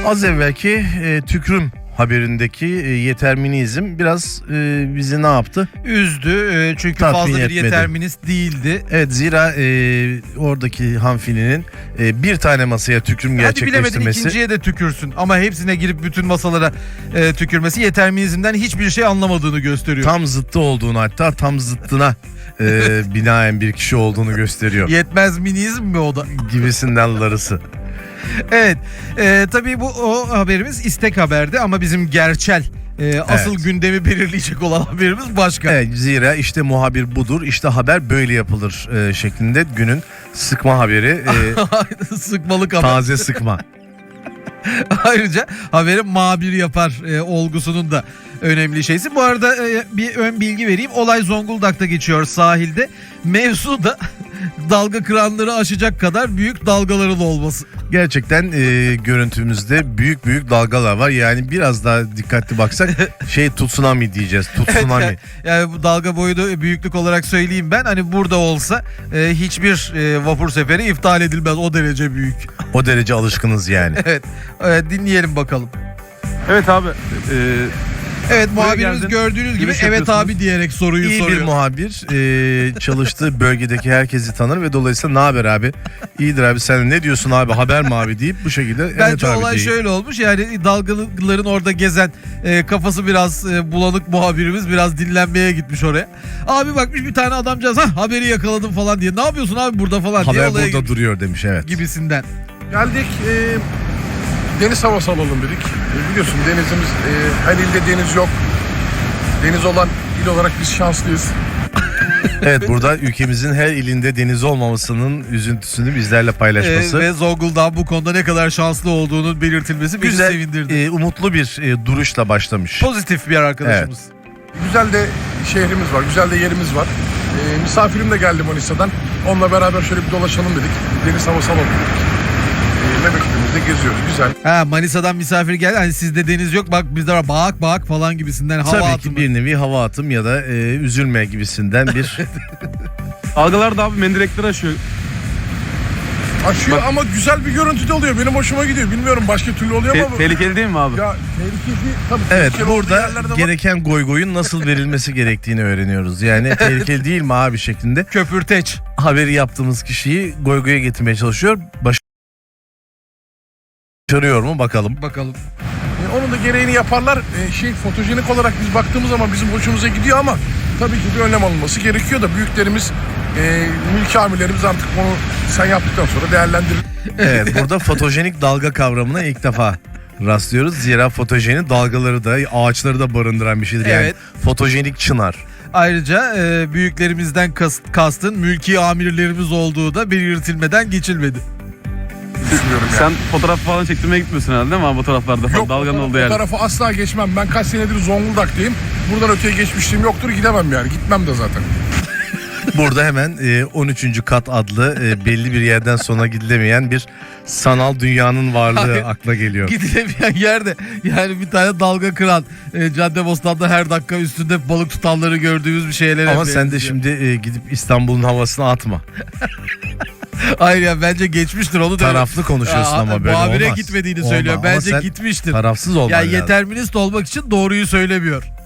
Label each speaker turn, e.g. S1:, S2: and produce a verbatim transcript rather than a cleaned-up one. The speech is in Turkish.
S1: Az evvelki e, tükrüm haberindeki e, yeterminizm biraz e, bizi ne yaptı?
S2: Üzdü e, çünkü
S1: Tatmin
S2: fazla bir
S1: etmedi.
S2: yeterminist değildi.
S1: Evet, zira e, oradaki hanfilinin e, bir tane masaya tükrüm
S2: Hadi bilemedin
S1: gerçekleştirmesi.
S2: ikinciye de tükürsün ama hepsine girip bütün masalara e, tükürmesi yeterminizmden hiçbir şey anlamadığını gösteriyor.
S1: Tam zıttı olduğunu, hatta tam zıttına e, binaen bir kişi olduğunu gösteriyor.
S2: Yetmez minizm mi o da?
S1: Gibisinden larısı.
S2: Evet, e, tabii bu o haberimiz istek haberdi ama bizim gerçel e, asıl
S1: Evet.
S2: gündemi belirleyecek olan haberimiz başka.
S1: Evet, zira işte muhabir budur, işte haber böyle yapılır e, şeklinde günün sıkma haberi. E,
S2: Sıkmalık haber.
S1: taze sıkma.
S2: Ayrıca haberi muhabir yapar e, olgusunun da önemli şeysi. Bu arada e, bir ön bilgi vereyim. Olay Zonguldak'ta geçiyor, sahilde. Mevzu da dalga kıranları aşacak kadar büyük dalgaların olması.
S1: Gerçekten e, görüntümüzde büyük büyük dalgalar var. Yani biraz daha dikkatli baksak şey tsunami diyeceğiz. Tsunami.
S2: Yani, yani bu dalga boyu da büyüklük olarak söyleyeyim ben. Hani burada olsa e, hiçbir e, vapur seferi iptal edilmez. O derece büyük.
S1: O derece alışkınız yani.
S2: Evet. E, dinleyelim bakalım.
S3: Evet abi. E,
S2: Evet,
S3: Buraya
S2: muhabirimiz
S3: geldin,
S2: gördüğünüz gibi
S3: giriş
S2: evet
S3: yapıyorsunuz.
S2: abi diyerek soruyu
S1: İyi
S2: soruyor.
S1: bir muhabir e, çalıştığı bölgedeki herkesi tanır ve dolayısıyla ne haber abi? İyidir abi, sen ne diyorsun abi, haber mi abi deyip bu şekilde evet
S2: Bence
S1: abi
S2: olay
S1: diyeyim.
S2: şöyle olmuş, yani dalgaların orada gezen e, kafası biraz e, bulanık muhabirimiz biraz dinlenmeye gitmiş oraya. Abi bakmış bir tane adamcağız, ha haberi yakaladım falan diye, ne yapıyorsun abi burada falan diye
S1: Haber
S2: olaya
S1: burada
S2: gitmiş
S1: duruyor demiş, evet.
S2: gibisinden.
S4: Geldik, e, deniz havası alalım dedik. E, biliyorsun denizimiz, e, her ilde deniz yok. Deniz olan il olarak biz şanslıyız.
S1: Evet, burada ülkemizin her ilinde deniz olmamasının üzüntüsünü bizlerle paylaşması.
S2: E, ve Zonguldak'ın bu konuda ne kadar şanslı olduğunun belirtilmesi bizi
S1: Güzel,
S2: sevindirdi.
S1: e, umutlu bir e, duruşla başlamış.
S2: Pozitif bir arkadaşımız.
S4: Güzel de şehrimiz var, güzel de yerimiz var. E, misafirim de geldi Manisa'dan. Onunla beraber şöyle bir dolaşalım dedik. Deniz havası alalım dedik. E, memleketimizde geziyoruz, güzel.
S2: Ha, Manisa'dan misafir geldi, hani sizde deniz yok, bak bizde var, bak bak falan gibisinden hava
S1: Tabii
S2: atımı.
S1: ki bir nevi hava atım ya da e, üzülme gibisinden bir
S3: Dalgalar da abi mendirekleri aşıyor.
S4: Aşıyor
S3: Bak-
S4: ama güzel bir görüntü de oluyor. Benim hoşuma gidiyor. Bilmiyorum başka türlü oluyor
S3: Te-
S4: ama...
S3: tehlikeli değil mi abi?
S4: Ya tehlikeli tabii.
S1: Evet,
S4: tehlikeli olduğu
S1: burada
S4: yerlerde var.
S1: gereken goygoyun nasıl verilmesi gerektiğini öğreniyoruz. Yani tehlikeli değil mi abi şeklinde
S2: Köpürteç.
S1: haberi yaptığımız kişiyi goygoya getirmeye çalışıyor. Başarıyor mu bakalım.
S2: Bakalım.
S4: E, onun da gereğini yaparlar. E, şey fotojenik olarak biz baktığımız zaman bizim hoşumuza gidiyor ama tabii ki bir önlem alınması gerekiyor da büyüklerimiz, e, mülki amirlerimiz artık onu sen yaptıktan sonra değerlendirir.
S1: Evet, burada fotojenik dalga kavramına ilk defa rastlıyoruz. Zira fotojeni dalgaları da ağaçları da barındıran bir şeydir. Yani
S2: Evet.
S1: fotojenik çınar.
S2: Ayrıca e, büyüklerimizden kas, kastın mülki amirlerimiz olduğu da belirtilmeden geçilmedi.
S4: Düşünüyorum yani.
S3: Sen fotoğraf falan çektirmeye gitmiyorsun herhalde değil mi abi, fotoğraflarda falan?
S4: Yok,
S3: Dalganın
S4: o,
S3: olduğu
S4: o
S3: yerde.
S4: tarafa asla geçmem. Ben kaç senedir Zonguldak'tayım. Buradan öteye geçmişliğim yoktur. Gidemem yani. Gitmem de zaten.
S1: Burada hemen e, on üçüncü kat adlı e, belli bir yerden sonra gidilemeyen bir sanal dünyanın varlığı
S2: Hayır.
S1: akla geliyor.
S2: Gidilemeyen yerde yani bir tane dalga kıran e, Caddebostan'da her dakika üstünde balık tutanları gördüğümüz bir şeylere
S1: Ama sen de
S2: benziyor.
S1: şimdi e, gidip İstanbul'un havasına atma.
S2: Hayır ya, bence geçmiştir onu da.
S1: Taraflı konuşuyorsun
S2: Aa,
S1: ama böyle
S2: muhabire
S1: olmaz.
S2: gitmediğini
S1: Olmaz.
S2: söylüyor.
S1: Ama
S2: Bence
S1: sen
S2: gitmiştir.
S1: Tarafsız olman
S2: Ya
S1: lazım.
S2: yeterminist olmak için doğruyu söylemiyor.